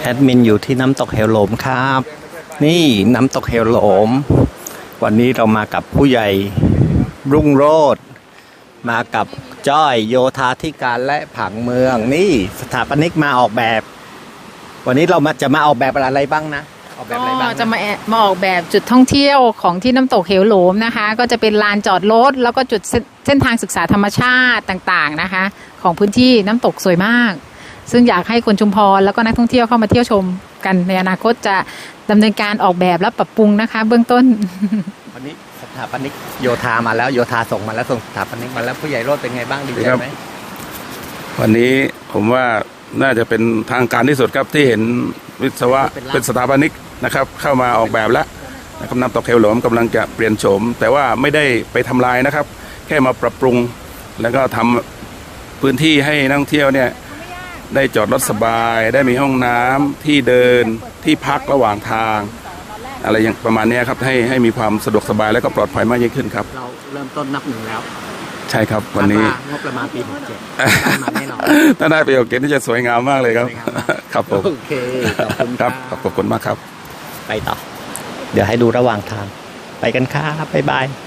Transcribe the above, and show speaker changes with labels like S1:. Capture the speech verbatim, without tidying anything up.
S1: แอดมินอยู่ที่น้ำตกเหวโหลมครับ นี่น้ำตกเหวโหลมวันนี้เรามากับผู้ใหญ่รุ่งโรจน์มากับจ้อยโยธาธิการและผังเมืองนี่สถาปนิกมาออกแบบ วันนี้เรามาจะมาออกแบบอะไรบ้างนะออกแบบอะไรบ้าง
S2: ก็จะมามาออกแบบจุดท่องเที่ยวของที่น้ำตกเหวโหลมนะคะ ก็จะเป็นลานจอดรถแล้วก็จุดเส้นทางศึกษาธรรมชาติต่างๆนะคะ ของพื้นที่น้ำตกสวยมากซึ่งอยากให้คนชุมพรแล้วก็นักท่องเที่ยวเข้ามาเที่ยวชมกันในอนาคตจะดำเนินการออกแบบและปรับปรุงนะคะ เบื้องต้น
S1: วันนี้สถาปนิกโยธามาแล้วโยธาส่งมาแล้วส่งสถาปนิกมาแล้วผู้ใหญ่โรจน์เป็นไงบ้างดีใจไหม
S3: วันนี้ผมว่าน่าจะเป็นทางการที่สุดครับที่เห็นวิศวะเป็นสถาปนิกนะครับเข้ามาออกแบบแล้วนะครับน้ำตกเหวโหลมกำลังจะเปลี่ยนโฉมแต่ว่าไม่ได้ไปทำลายนะครับ แค่มาปรับปรุงแล้วก็ทำพื้นที่ให้นักท่องเที่ยวเนี่ยได้จอดรถสบายได้มีห้องน้ำที่เดินที่พักระหว่างทางอะไรอย่างประมาณนี้ครับให้ให้มีความสะดวกสบายและก็ปลอดภัยมากยิ่งขึ้นครับ
S1: เราเริ่มต้นนับหนึ่งแล้ว
S3: ใช่ครับวันนี้
S1: งบประมาณปีหกเจ็ดมาแน่นอน
S3: ถ้าได้ประโยชน์เกณฑ์ที่จะสวยงามมากเลยครับครับผม
S1: โอเคขอบคุณ
S3: ครับขอบคุณมากครับ
S1: ไปต่อเดี๋ยวให้ดูระหว่างทางไปกันครับบ๊ายบาย